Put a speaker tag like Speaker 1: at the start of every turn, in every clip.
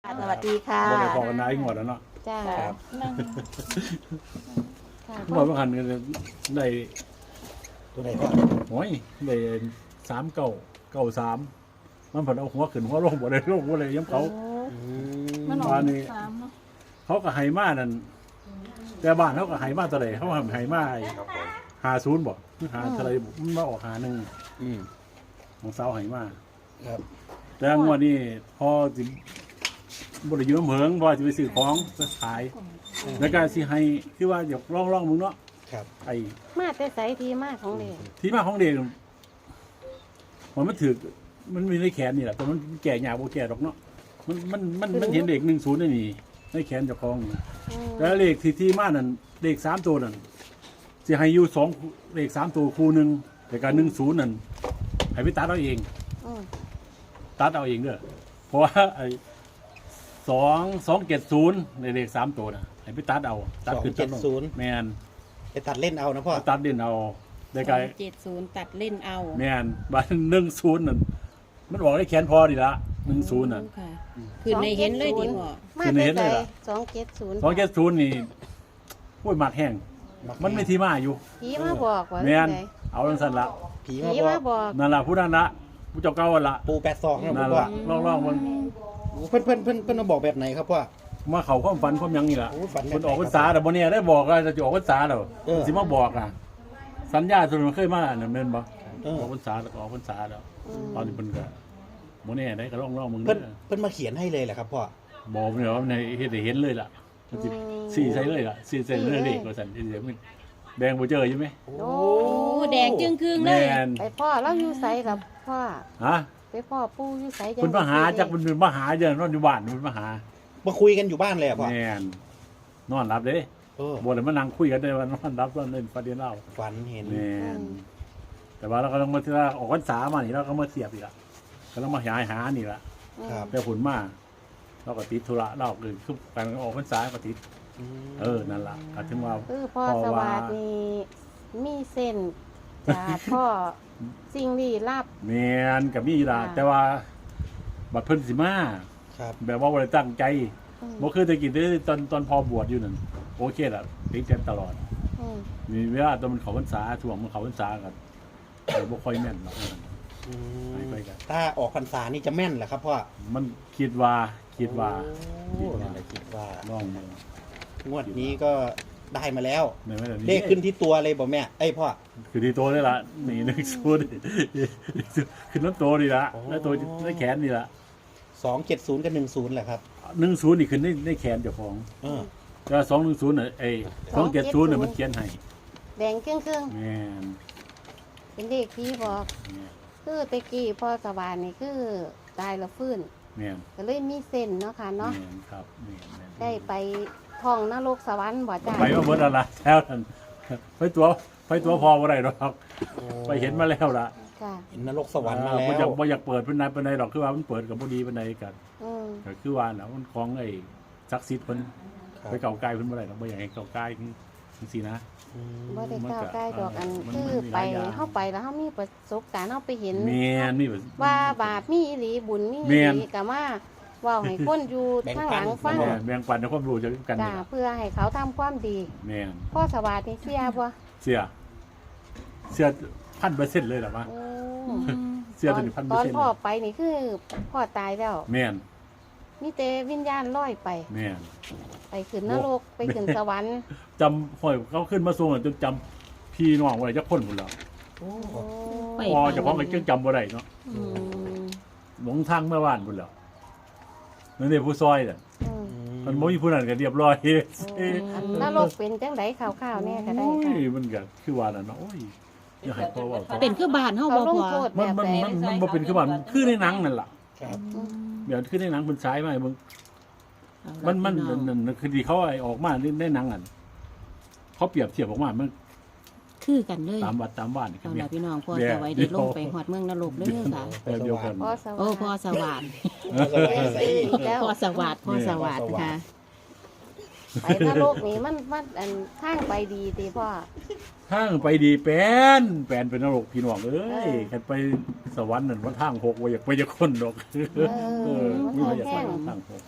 Speaker 1: สวัสดีค่ะ
Speaker 2: บ่ได้พอกันนายงวดแล้วเนาะ
Speaker 1: จ้า
Speaker 3: ครับ
Speaker 1: นั่งค่ะ
Speaker 2: งวดบางคันก็ได้
Speaker 3: ตัวไหนพ่อ
Speaker 2: โอ้ยได้3993มันเพิ่นเอาหัวขึ้นหัวลงบ่ได้ลงบ่ได้ย้ำเขา
Speaker 1: มันออก
Speaker 2: มานี่
Speaker 1: 3เนาะ
Speaker 2: เขาก็ให้มานั่นแต่บ้านเขาก็ให้มาเท่าใดเขาให้มา
Speaker 3: ครับผม
Speaker 2: 50บ่หรือหาเท่าใดมันมาออก51
Speaker 3: อืม
Speaker 2: ของสาวให้มา
Speaker 3: ครับ
Speaker 2: แต่งวดนี้พอสิบ่ได้อยู่น้ำเหิงบ่สิไปซื้อของจะขายแล้วก็สิให้คือว่าอยากลองมึงเนาะ
Speaker 3: ครับ
Speaker 2: ไอ้
Speaker 1: มาแต่ไสทีมากของเด็ก
Speaker 2: ที่มาของเด็กมันถือมันมีในแขนนี่แหละแต่มันแก่ยากบ่แก่ดอกเนาะมันเห็นเด็ก10ได้นี่ในแขนเจ้าของนี่แล้วเลขที่มานั่นเลข3ตัวนั่นสิให้อยู่2เลข3ตัวคู่หนึงแต่ก็10นั่นให้ไปตัดเอาเอง ตัดเอาเองเด้อเพราะว่าไอ้270ในเลข3ตัวน่ะให้ไปตัดเอาตัดขึ้นตัดลงแม่น
Speaker 3: ไปตัดเล่นเอานะพ่อ
Speaker 2: ตัดเด่นเอาได้ไกล
Speaker 4: 70ตัดเล่นเอา
Speaker 2: แม่นบ้าน10นั่นมันบอกได้แขนพอดีละ10น่ะ
Speaker 4: ค่ะคือในเห็นเลยดีพ่อ
Speaker 1: มา
Speaker 2: คือ
Speaker 1: แต่
Speaker 2: เห็น
Speaker 1: ไส
Speaker 2: เลยล่ะ
Speaker 1: 270
Speaker 2: นี่โอ้ยหมัดแห้งมันไม่ที่มาอยู่
Speaker 1: ผีมาบอกว่า
Speaker 2: แม่น
Speaker 1: ไส
Speaker 2: เอาจังซั่นละ
Speaker 3: ผี
Speaker 1: ผี
Speaker 3: มาบอ
Speaker 1: มาก บอก
Speaker 2: นั่นล่ะผู้นั้นละผู้เจ้าเก่าหั่นละ
Speaker 3: ปู82ครับ
Speaker 2: นั่น
Speaker 3: พ่อ
Speaker 2: ล่ะลองมัน
Speaker 3: เพิ่นมาบอกแบบไหนครับพ่อ
Speaker 2: มาเข้าความฝันความหยังนี่ล่ะ
Speaker 3: โอ้ฝันแบบไหน
Speaker 2: เพิ่นออกพรรษาแต่บ่เนี่ยได้บอกว่าจะออกพรรษาแล้ว
Speaker 3: เออ
Speaker 2: สิมาบอกอ่ะสัญญาส่วนมันเคยมานั่นแม่นบ่
Speaker 3: เออ
Speaker 2: ออกพรรษาแล้วก็ออกพรรษาแล้วตอนนี้เพิ่นก็บ่แน่ได้ก็ลองมึง
Speaker 3: เพิ่น
Speaker 2: เด้อ
Speaker 3: เพิ่นมาเขียนให้เลยแหละครับพ่อ
Speaker 2: บอกเนี่ยว่าในเฮ็ดให้เห็นเลยล่ะมันสิสี่ใส่เลยล่ะสี่ใส่เลยเลขว่าซั่นสิเดี๋ยวมันแดงบ่เจอใช่ไหม
Speaker 1: โอ้
Speaker 4: โอ้แดงจึงครึ่งเล
Speaker 2: แม่
Speaker 4: ย
Speaker 2: น
Speaker 1: ไปพ่อเราอยู่ไสกับพ่อ
Speaker 2: ฮะ
Speaker 1: ไปพ่อปู่อยู่ไสจัง
Speaker 2: เพิ่นมาหาจักมันเป็นมาหาเด้อนอนอยู่บ้านเพิ่นมาหา
Speaker 3: มาคุยกันอยู่บ้านเลยอะพ่อ
Speaker 2: แม่นนอนรับเด้
Speaker 3: เออ
Speaker 2: บ่ได้มานั่งคุยกันได้ว่านอนรับตอนเล่นประเด็นเล่า
Speaker 3: ฝันเห็น
Speaker 2: แม่นแต่ว่าเราก็ต้องมาที่ว่าออกพรรษามานี่เราก็มาเสียบอีกละก็ต้องมาหานี่ละ
Speaker 3: ครับ
Speaker 2: แต่ผลมาเราก็ติดธุระเราคือการออกพรรษาก็ติด นั่นล่ะก็ถึงว่า
Speaker 1: คือพ่อสวัสดิ์นี่มีเส้นจากพ่อสิ่งลี้ลับ
Speaker 2: แม่นกับมีล่ะ
Speaker 1: ค่ะ
Speaker 2: แต่ว่าบัดเพิ่นสิมา
Speaker 3: ครับ
Speaker 2: แบบว่าบ่ได้ตั้งใจ
Speaker 1: อืม
Speaker 2: บ่คือแตะกี้ตอนพอบวชอยู่นั่นโอเคล่ะติดกันตลอด
Speaker 1: อืม
Speaker 2: มีเวลาตอนมันเข้าพรรษาช่วงมันเข้าพรรษากันบ่ค่อยแม่นหรอก
Speaker 3: อืม
Speaker 2: ไปกัน
Speaker 3: ถ้าออกพรรษานี่จะแม่นเหรอครับพ่อ
Speaker 2: มันคิดว่า
Speaker 3: โอ้นั่นแหละคิดว่า
Speaker 2: ลองมือง
Speaker 3: วดนี้ก็ได้มาแล้ว
Speaker 2: ในไม่ได้
Speaker 3: เลขขึ้นที่ตัวเลยบอกแม่เอ้ยพ่อ
Speaker 2: คือที่โตนี่ล่ะนี่นึกสู้ดิขึ้นน้ำโตนี่ล่ะ
Speaker 3: โอ้
Speaker 2: แล้วตัวในแขนนี่ล่ะ
Speaker 3: 270กับ10แหละครับ
Speaker 2: 10นี่ขึ้นในแขนเจ้าของ
Speaker 3: เออ
Speaker 2: แต่210น่ะ270น่ะมันเขียนให้
Speaker 1: แดงครึ่ง
Speaker 2: แม่น
Speaker 1: ๆเป็นเด็กผีบอก คือแตะกี้พ่อสวรรค์นี่คือตายแล้วฟื้น
Speaker 2: แม่น
Speaker 1: ก็เลยมีเส้นเนาะค่ะเนาะ
Speaker 2: แม่นครับแม่น
Speaker 1: ได้ไปท่องนรกสวรรค์บ่จ้า
Speaker 2: ไปมาเบิดอะไรแล้วนั่นไปตัวพอบ่ได้หรอกไปเห็นมาแล้วล่ะ
Speaker 1: จ้า
Speaker 3: เห็นนรกสวรรค์มาแล้
Speaker 2: บ่อยว บ่อยากเปิดเพิ่นนายปานใดดอกคือว่ามันเปิดก็บ่ดีปานใดกัน
Speaker 1: อืม
Speaker 2: ก็คือว่าน่ะมันของไอ้ศักดิ์สิทธิ์เพิ่น
Speaker 3: ครับ
Speaker 2: ไปเก่าใกล้เพิ่นบ่ได้ดอกบ่อยากให้เก่าใกล้จังซี่นะ
Speaker 3: อืม
Speaker 1: บ่ได้ก้าวใกล้ดอกอัน
Speaker 2: มัน
Speaker 1: คือ
Speaker 2: มีห
Speaker 1: ไป
Speaker 2: ลายอย่าง
Speaker 1: เฮาไปแล้วเฮามีประสบการณ์เฮาไปเห็น
Speaker 2: แม่นมี
Speaker 1: ว่าบาปมีอีหลีบุญมี
Speaker 2: แม่
Speaker 1: อี
Speaker 2: น
Speaker 1: หลีก็มาเว้าให้คนอยู่ข้างหลังฟัง
Speaker 2: แบ่งปันในความรู้จากกัน
Speaker 1: จ้า
Speaker 2: นี่ล่ะ
Speaker 1: เพื่อให้เขาทำความดี
Speaker 2: แม่น
Speaker 1: พ่อสวัสดิ์นี่เสียบ่
Speaker 2: เสีย 1,000% เลยล่ะว่า
Speaker 1: โอ้
Speaker 2: เสีย
Speaker 1: ต
Speaker 2: ถึ
Speaker 1: อน
Speaker 2: ง
Speaker 1: ตอนพ่อ
Speaker 2: 1,000%
Speaker 1: ไปนี่คือพ่อตายแล้ว
Speaker 2: แม่น
Speaker 1: มีแต่วิญญาณลอยไป
Speaker 2: แม่น
Speaker 1: ไปขึ้นนรกไปขึ้นสวรรค์
Speaker 2: จำห้อยเขาขึ้นมาส่งจนจำพี่น้องบ่ได้จักคนพุ่นแล้ว
Speaker 3: โอ้
Speaker 1: โอ้
Speaker 4: ไป
Speaker 2: พอเจ้าของก็จังจำบ่ได้เนาะ
Speaker 1: อืม
Speaker 2: หลงทางเมื่อวานพุ่นแล้วนั่นเด้ผู้ซอยน่ะ
Speaker 1: อืม
Speaker 2: มันบ่มีผู้นั้นก็เรียบร้อย
Speaker 1: อันนรกเป็นจังไดข่าวๆแน่ก็ได้
Speaker 2: โอ้
Speaker 1: ค่ะ
Speaker 2: ยมันก็คือว่าน่ะเนาะโอ้ยอย่าให้พ่อเว้าต่อ
Speaker 4: เป็นคือบ้านเฮา
Speaker 1: เขา
Speaker 4: บ่
Speaker 1: ลง
Speaker 4: พอ
Speaker 1: โทษ
Speaker 2: มัน
Speaker 1: แบบ
Speaker 2: มัน
Speaker 1: ใด
Speaker 2: มันบ่เป็นคือว่ามันคือในหนังนั่นล่ะ
Speaker 3: ครับ
Speaker 1: อืม
Speaker 2: เดี๋ยวคือในหนังเพิ่นฉายมาให้เบิ่งมันคือที่เขาไอ้ออกมาในหนังอ่ะเขาเปรียบเทียบออกมามัน
Speaker 4: คือกันเลย
Speaker 2: ตามวัดตามบ้านนี่
Speaker 4: เอา
Speaker 2: แม่
Speaker 4: ล่ะพี่น้องพ่อสวัยได้ลงไปฮอดเมืองนรกเด้อค่ะ
Speaker 2: เดียวกัน
Speaker 1: พ่อสวัส
Speaker 4: โอ้
Speaker 1: ดิ์
Speaker 4: พ่อสวัสดิ์
Speaker 1: อีกแล้ว
Speaker 4: พ่อสวัสดิ์พ่อสวัสดิ์ค่ะ
Speaker 1: ไปนรกนี่มันอันทางไปดีติพ่อ
Speaker 2: ทางไปดีแปนเป็นนรกพี่น้องเอ้ยกันไปสวรรค์นั่นว่าทางหกว่าอยากไปจะคนดอก
Speaker 1: อ
Speaker 2: มีว่าอยากไปทางหก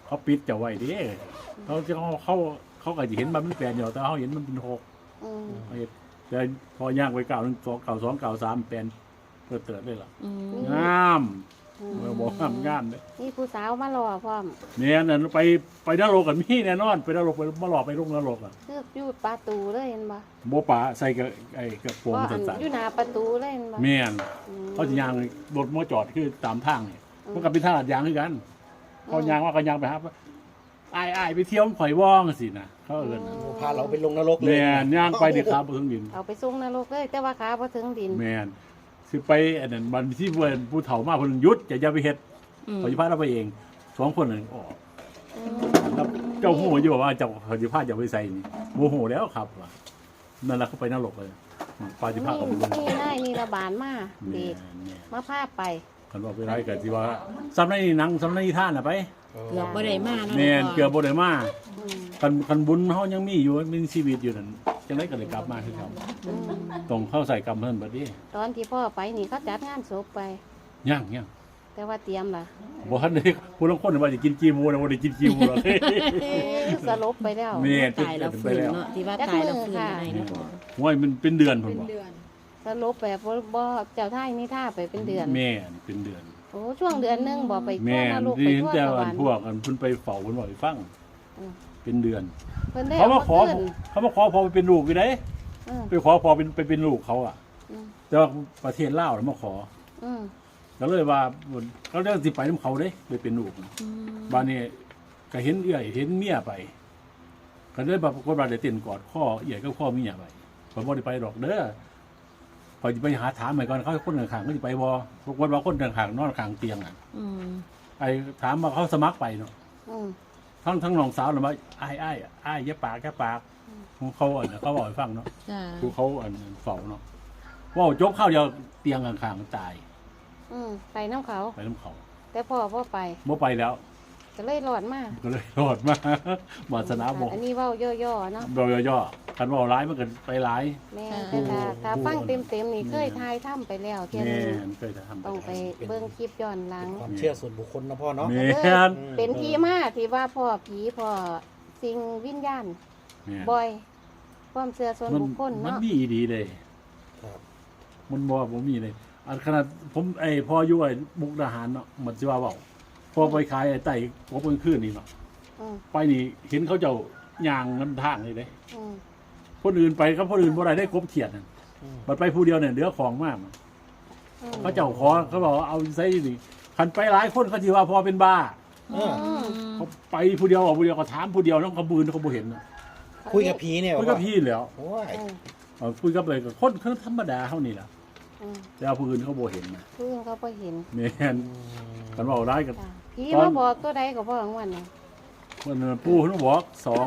Speaker 2: เขาปิดจะไว้ดิเขาก็จะเห็นมันเป็นแปดอยู่แต่เขาเห็นมันเป็นหก
Speaker 1: อืม
Speaker 2: แต่พอย่างไป9 1 2 9 2 9 3เป็นเปิดเติร์ดเลยล่ะ
Speaker 4: อืม
Speaker 2: งาม
Speaker 1: อืม
Speaker 2: บอกงามเลย
Speaker 1: นี่ผู้สาวมารอพร้อม
Speaker 2: เนี่ยนั่นไปนรกกันมีแน่นอนไปนรกไปมาหลอกไปลงนรกอ่ะ
Speaker 1: คืออยู่ประตูเลยเห็นบ่
Speaker 2: โบป่าใส่กับไอ้กระโปรง
Speaker 1: ว่าอั
Speaker 2: สั้น
Speaker 1: อยู่หน้าประตูเลยเห็นบ่
Speaker 2: ๆแม่น
Speaker 1: อืม
Speaker 2: เขาจะยางรถมอจอดคือตามทางนี่มันก็เป็นทางลาดยางคือกันเขายางว่าก็ยางไปครับไอ้ไปเที่ยวข่อยว่องสินะเขาเอิ้นน่ะ
Speaker 3: พาเราไปลงนรกเลย
Speaker 2: แม่นย่างไปเด็กครับบ่ถึงดิน
Speaker 1: เอาไปส่งนรกเลยแต่ว่าขาบ่ถึงดิน
Speaker 2: แม่นสิไปอันนั้นบันที่เพิ่นผู้เฒ่ามาเพิ่นหยุดอย่าไปเฮ็ด
Speaker 4: อืม
Speaker 2: เขาสิพาเราไปเอง2คนนั่นออก
Speaker 1: อืม
Speaker 2: แล้วเจ้าหูอยู่ว่าเจ้าเขาสิพาเจ้าไปใส่นี่โมโหแล้วครับว่ะนั่นล่ะเขาไปนรกเลยปาสิพาเขาไปลง
Speaker 1: นี่นายนี่ระบาดมา
Speaker 2: แม่
Speaker 1: เด็ก
Speaker 2: นแม่น
Speaker 1: มาพาไป
Speaker 2: คันว่าไปไรก็สิว่าซ้ำในหนังซ้ำในนิท่านน่ะไป
Speaker 4: เกือบบ่ได้มาเนาะ
Speaker 2: แม่นเกือบบ่ได้มา
Speaker 1: อืม
Speaker 2: คันบุญเฮายังมีอยู่มีชีวิตอยู่นั่นจังได๋ก็ได้กลับมาคือเขา
Speaker 1: อืม
Speaker 2: ต้องเข้าใส่กรรมเพิ่นบัดนี้
Speaker 1: ตอนที่พ่อไปนี่เขาจัดงานศพไป
Speaker 2: ยัง
Speaker 1: แต่ว่าเตรียมล่ะ
Speaker 2: บ่ทันได้ผู้ลางคนว่าจะกินกีหมูนะบ่ได้กินกีหมูหรอก
Speaker 1: สลบไปแล้ว
Speaker 2: แม่น
Speaker 4: ตายแล้วฟื้นเนาะที่ว่าตายแล้วฟื้นอะไรเนาะพ่อ
Speaker 2: โอ้ยมันเป็นเดือนพุ่นบ่
Speaker 1: สลบแบบบ่เจ้าท่ายนี่ท่าไปเป็นเดือน
Speaker 2: แม่นเป็นเดือน
Speaker 1: โอ้ช่วงเดือนหนึงบ่ไปทั่
Speaker 2: แม่
Speaker 1: วน รก
Speaker 2: ที่
Speaker 1: ไป
Speaker 2: เห็น
Speaker 1: ทั่ว
Speaker 2: แต่
Speaker 1: สว
Speaker 2: อั
Speaker 1: ร
Speaker 2: น
Speaker 1: รค์
Speaker 2: พวกอันเพิ่นไปเฝ้าเพิ่นบอกให้ฟัง
Speaker 1: อืม
Speaker 2: เป็นเดือน
Speaker 1: เพิ่นได้
Speaker 2: เขามาขอ
Speaker 1: ขึ้น
Speaker 2: เขามาขอพอไปเป็นลูกอยู่เด้
Speaker 1: อืม
Speaker 2: ไปขอพอเป็นลูกเขาอ่ะ
Speaker 1: อืม
Speaker 2: แต่ว่าประเทศลาวน่ะมาขอ
Speaker 1: อืม
Speaker 2: ก็เลยว่าเขาเรื่องสิไปนํเขาเด้ไปเป็นลูก
Speaker 4: อืม
Speaker 2: บ้านนี้ก็เห็นเอื้อยเห็นเมียไปก็เลยแบบคนบ้านได้เต้นกอดข้อเอื้อยก็ข้อเมียไปผมบ่ได้ไปดอกเด้อพอยจะไปหาถามใหม่ก่อนเขาคนข้างๆก็สิไปบ่ปรากฏว่าคนข้างๆนอนข้างเตียงอ่ะ
Speaker 4: อืม
Speaker 2: ไอ้ถามว่าเขาสมัครไปเนาะ
Speaker 1: อืม
Speaker 2: ทั้งน้องสาวน่ะว่าอ้ายอย่าปากของเขาอันน่ะเขาบอกให้ฟังเนาะ
Speaker 4: จ้า
Speaker 2: คือเขาอันเฝ้าเนาะว่าวจกเข้าวเดียวเตียงข้างๆมันตาย
Speaker 1: อืมไปน้ำเขา
Speaker 2: ไปนํเขา
Speaker 1: แต่พ่อไป
Speaker 2: บ่ไปแล้ว
Speaker 1: ก็เลยหลอดมา
Speaker 2: ก็เลยรอดมา วาสนาบ่
Speaker 1: อันนี้เว้าย่อๆเนาะ
Speaker 2: บ่ย่อๆคันเว้าร้ายมันก็ไปร้าย
Speaker 1: แม่แต่ถ้าฟังเต็มๆนี่เคยทายถ้ำไปแล้วเที่ย
Speaker 2: แม่
Speaker 1: นึง
Speaker 2: นเคยจะทำ
Speaker 1: ต้องไปเบิ่งคลิปย้อนหลัง
Speaker 3: ความเชื่อส่วนบุคคลนะพ่อเนาะ
Speaker 2: แม่
Speaker 1: ก็เลย
Speaker 2: น
Speaker 1: เป็นที่มาที่ว่าพ่อผีพ่อสิ่งวิญญาณ
Speaker 2: แม่น
Speaker 1: บ่อย ความเชื่อส่วน
Speaker 2: มัน
Speaker 1: บุคคล
Speaker 2: มัน
Speaker 1: เนาะ
Speaker 2: มีดีเลย
Speaker 3: ครับ
Speaker 2: มันบ่มีเลยอันขนาดผมพออยู่ไอ้มุกดาหารเนาะมันสิว่าเว้าพอไปขายไอ้ไต่กบกลางคืนนี่เนาะ
Speaker 1: อืม
Speaker 2: ไปนี่เห็นเขาเจ้าย่างนํทางเลยเด้
Speaker 1: อืม
Speaker 2: คนอื่นไปครับคนอื่นบ่ได้ได้กบเขียดนั่น
Speaker 3: อืม
Speaker 2: บัดไปผู้เดียวเนี่ยเหลือของมาก
Speaker 1: อืม
Speaker 2: เขาเจ้าขอเขาบอกว่าเอาใส่นี่คันไปหลายคนเขาสิว่าพอเป็นบ้า
Speaker 3: เออ
Speaker 1: อืม
Speaker 2: เขาไปผู้เดียวออกผู้เดียวก็ถามผู้เดียวน้องเขาบืนเขาบ่เห็นน่ะ
Speaker 3: คุยกับผีเนี่ย
Speaker 2: คุยกับพี่แล้ว
Speaker 3: โอ้ย
Speaker 1: อืม
Speaker 2: คุยกับเลยกับคนธรรมดาเท่านี้แหละ
Speaker 1: อืม
Speaker 2: แต่ว่าผู้อื่นเขาบ่เห็นนะ
Speaker 1: เพิ่งเขาบ่เห็น
Speaker 2: แม่นกันว่าร้ายกับ
Speaker 1: จ้ะผี
Speaker 2: ตอน
Speaker 1: มาบอกตัวใดก็บ่ของวันน่ะ
Speaker 2: คนปู่เขาบอก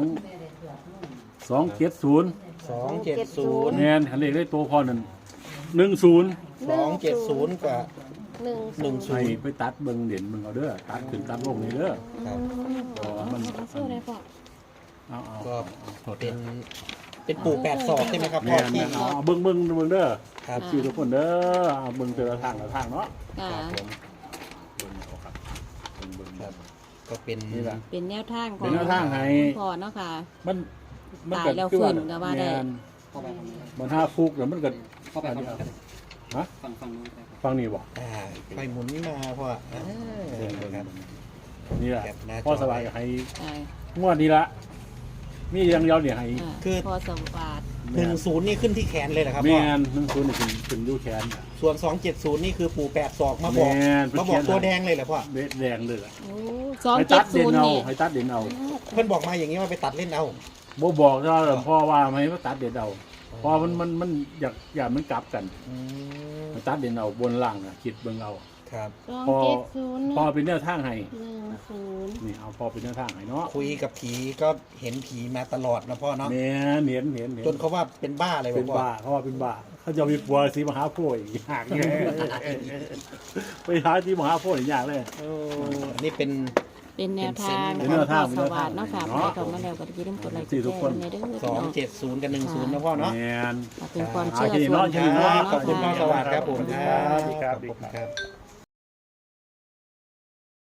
Speaker 2: 270
Speaker 3: 270
Speaker 2: แม่นคันเลขได้ตัวพอนั่น10
Speaker 3: 270กับ
Speaker 1: 10
Speaker 2: ให้ไปตัดเบิ่งเด่นเบิ่งเอาเด้อตัดขึ้นตัดลงนี่เด้อ
Speaker 3: ครับ
Speaker 2: เพราะว่ามัน
Speaker 4: สู้ได้พ่อ
Speaker 2: เอา
Speaker 3: ก็
Speaker 2: โทษ
Speaker 3: เป็นปู่8ศอกใช่ไหมครับพ่
Speaker 2: แม่
Speaker 3: อน ที่
Speaker 2: เอาเบิ่งเด้อ
Speaker 3: ครับ
Speaker 2: ชื่อทุกคนเด้อเอาเบิ่งแต่ละทางเนาะ
Speaker 4: ค่ะ
Speaker 3: ครับผม
Speaker 2: เบิ่งเอาครับเบิ่ง
Speaker 3: ครับ ก็เป็น
Speaker 2: นี่ล่ะ
Speaker 4: เป็นแนวทางของ
Speaker 2: เป็นแนวทางให้
Speaker 4: พ่อเนาะค่ะ
Speaker 2: มัน
Speaker 4: ตายแล้วฟื้นก็ว่าได้
Speaker 2: แม่นมันห้าฟุกแล้วมันก็
Speaker 5: เข้าไปฝั่งนู้น
Speaker 2: ฮะ
Speaker 5: ฝั่งนู้นไป
Speaker 2: ฟังนี่บ่
Speaker 3: ไฟหมุนมาพ่อครับ
Speaker 2: นี่แหละ
Speaker 3: แคปหน้าจอ
Speaker 2: พ่อสบายให้
Speaker 4: ใช่
Speaker 2: งวดนี้ละมีอย่างเดียวเนี่ยให้
Speaker 4: อ่า
Speaker 3: คือ
Speaker 4: พ่อสวัสดิ์
Speaker 3: 10นี่ขึ้นที่แขนเลยเหรอครับ
Speaker 2: แม
Speaker 3: พ่อน
Speaker 2: นั่งศูนย์นี่ขึ้นยูแขน
Speaker 3: ส่วน270นี่คือปู่8ศอกมาบอก
Speaker 2: แม่น
Speaker 3: มาบอกตัวแดงเลยเหรอพ่อ
Speaker 2: เบ็ดแดงเลยล่ะ
Speaker 4: โอ้
Speaker 2: ให้ตัดเด่น
Speaker 4: 270
Speaker 2: เอา
Speaker 4: นี่
Speaker 2: ให้ตัดเด่นเอา
Speaker 3: เพื่อนบอกมาอย่างนี้ว่าไปตัดเล่นเอา
Speaker 2: บ่บอกถ้าพ่อว่าไม่ว่าตัดเด่นเอาเพอมันอยากมันกลับกัน
Speaker 3: อืม
Speaker 2: ให้ตัดเด่นเอาบนล่างน่ะคิดเบิ่งเอา
Speaker 3: ครับ
Speaker 1: 270
Speaker 2: พอเป็นแนวทางให้
Speaker 1: 10
Speaker 2: นี่เอาพอเป็นแนวทางให้เนาะ
Speaker 3: คุยกับผีก็เห็นผีมาตลอดนะพ่อเนาะ
Speaker 2: แม่นเห็น
Speaker 3: จนเขาว่าเป็นบ้าเลย
Speaker 2: เป็น
Speaker 3: พ่อ
Speaker 2: บ้าเขาว่าเป็นบ้าเขาจะมีปัวสีมหาโพธิ์อีกอย่างไง ไปหาที่มหาโพธิ์อีกอย่างเลย
Speaker 3: อันนี้เป็น
Speaker 4: เป็นแนวทาง
Speaker 2: เป็น
Speaker 4: ข
Speaker 2: แน
Speaker 4: อง
Speaker 2: วทาง
Speaker 4: พ่อสวัสดิ์เนาะค่ะ
Speaker 2: เนาะ
Speaker 4: ไปเข้ามาแล้วก็อย่าลืมกดไลค์กด
Speaker 2: สี่
Speaker 4: แช
Speaker 2: ทุก
Speaker 4: ร์
Speaker 2: คน
Speaker 4: ในเด้อพี่น้อง
Speaker 3: 270กับ10นะพ่อเนาะ
Speaker 2: แมน
Speaker 4: เป็นความเชื่อ
Speaker 2: อ่า
Speaker 4: ส่วนบุคคล
Speaker 3: ขอบคุณพ่อ
Speaker 4: เนาะ
Speaker 3: สวัสดิ์ครับผม
Speaker 2: สวัสดีครับ
Speaker 3: ขอบคุณครับ